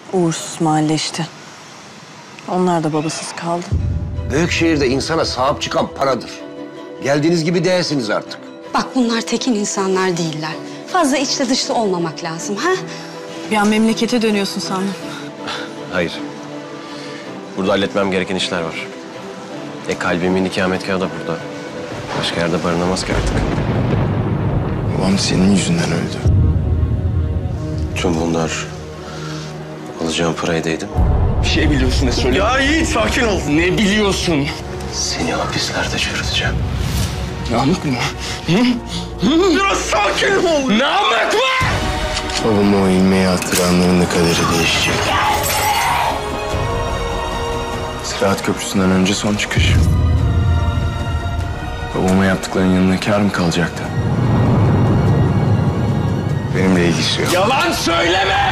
Uğursuz mahalle işte. Onlar da babasız kaldı. Büyük şehirde insana sahip çıkan paradır. Geldiğiniz gibi değilsiniz artık. Bak bunlar tekin insanlar değiller. Fazla içli dışlı olmamak lazım ha? Bir an memlekete dönüyorsun sandım. Hayır. Burada halletmem gereken işler var. Kalbimin ikametgahı da burada. Başka yerde barınamaz ki artık. Babam senin yüzünden öldü. Tüm bunlar alacağım parayı değdim. Bir şey biliyorsun ne söyle. Ya Yiğit sakin ol. Ne biliyorsun? Seni hapislerde çürüteceğim. Namık mı? Hı? Biraz sakin ol. Namık mı? Babamı o ilmeğe attıranların da kaderi değişecek. Sırat Köprüsü'nden önce son çıkış. Babama yaptıklarının yanına kâr mı kalacaktı? Benimle ilgisi yok. Yalan söyleme!